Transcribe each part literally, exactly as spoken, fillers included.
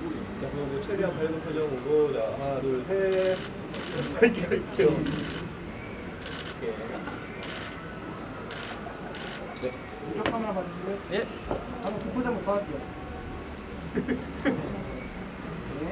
자, 그럼 최대한 밝은 표정 오고, 자, 하나, 둘, 셋. 짧게 할게요. 오케이. 네. 이쪽 카메라 봐주실래요? 예. 한번 그 포즈 한번 더 할게요. 네.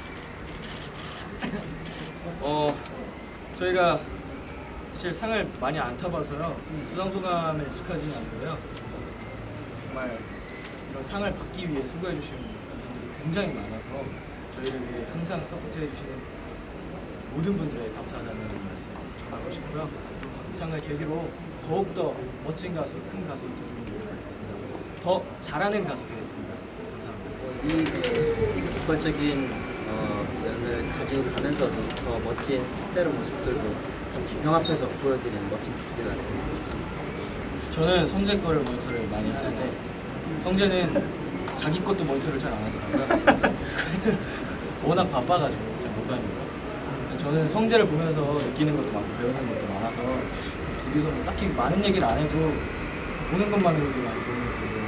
어 저희가 사실 상을 많이 안 타봐서요 수상 소감에 익숙하지는 않고요. 정말 이런 상을 받기 위해 수고해 주시는 분들이 굉장히 많아서 저희를 위해 항상 서포트해 주시는 모든 분들에 감사하다는 말씀 전하고 싶고요. 이 상을 계기로 더욱더 멋진 가수, 큰 가수 되도록 하겠습니다. 더 잘하는 가수 되겠습니다. 감사합니다. 이 객관적인 어, 면을 가지고 가면서도 더 멋진 색다른 모습들도 같이 병합해서 보여드리는 멋진 비투비가 되고 싶습니다. 저는 성재 거를 모니터를 많이 하는데 성재는 자기 것도 모니터를 잘 안 하더라고요. 워낙 바빠가지고 잘 못하니까. 저는 성재를 보면서 느끼는 것도 많고 배우는 것도 많아서 둘이서 뭐 딱히 많은 얘기를 안 해도 보는 것만으로도 많이 도움이 되고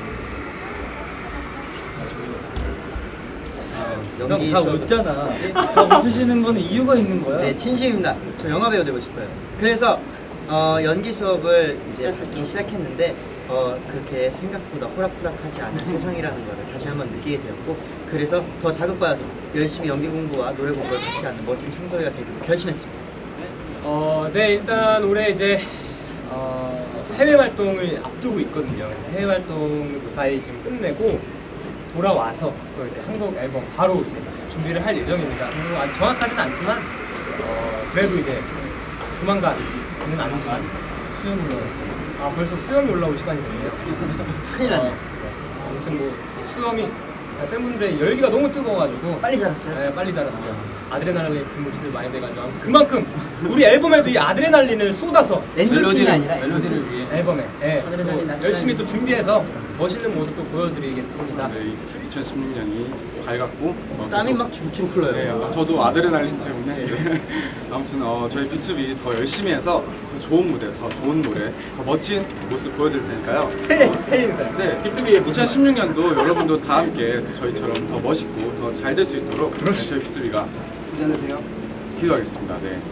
연기 다 수업- 웃잖아. 다 웃으시는 거는 이유가 있는 거야. 네, 진심입니다. 저 영화 배우 되고 싶어요. 그래서 어, 연기 수업을 이제 받기 시작했는데 어, 그렇게 생각보다 호락호락하지 않은 세상이라는 거를 다시 한번 느끼게 되었고, 그래서 더 자극받아서 열심히 연기 공부와 노래 공부를 같이 하는 멋진 창소리가 되기로 결심했습니다. 어, 네, 일단 올해 이제 어, 해외 활동을 앞두고 있거든요. 그래서 해외 활동을 무사히 지금 끝내고 돌아와서 또 이제 한국 앨범 바로 이제 준비를 할 예정입니다. 그리고 아직 정확하지는 않지만 어, 그래도 이제 조만간은 아니지만 수염이 올라왔어요. 아, 벌써 수염이 올라올 시간이 됐네요. 큰일 났네. 어, 아무튼 뭐 수염이 팬분들의 열기가 너무 뜨거워가지고 빨리 자랐어요? 네, 빨리 자랐어요. 아드레날린 분노출이 많이 돼가지고 아무튼 그만큼 우리 앨범에도 이 아드레날린을 쏟아서 엔돌핀이 아니라 멜로디를 위해 앨범에 네, 아드레날린, 또 아드레날린. 열심히 또 준비해서 멋있는 모습 또 보여드리겠습니다. 네, 이천십육 년이 밝았고 어, 땀이 계속- 막 줄줄 흘러요. 네, 아, 저도 아드레날린 때문에 네. 아무튼 어, 저희 비투비 더 열심히 해서 더 좋은 무대, 더 좋은 노래, 더 멋진 모습 보여드릴 테니까요. 새해 새해 인사. 네, 비투비의 이천십육 년도 여러분도 다 함께 저희처럼 더 멋있고 더 잘 될 수 있도록 네, 저희 비투비가 기도하겠습니다. 네.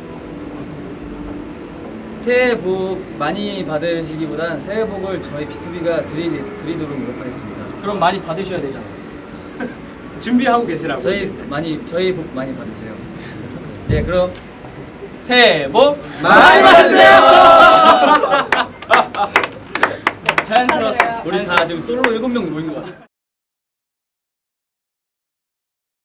새해 복 많이 받으시기보단 새해 복을 저희 비투비가 드리, 드리도록 노력하겠습니다. 그럼 많이 받으셔야 되잖아요. 준비하고 계시라고. 저희 많이 저희 복 많이 받으세요. 네, 그럼 새해 복 많이 받으세요. 자연스러웠어요. 우리 다 지금 솔로 일곱 명 모인 것 같아.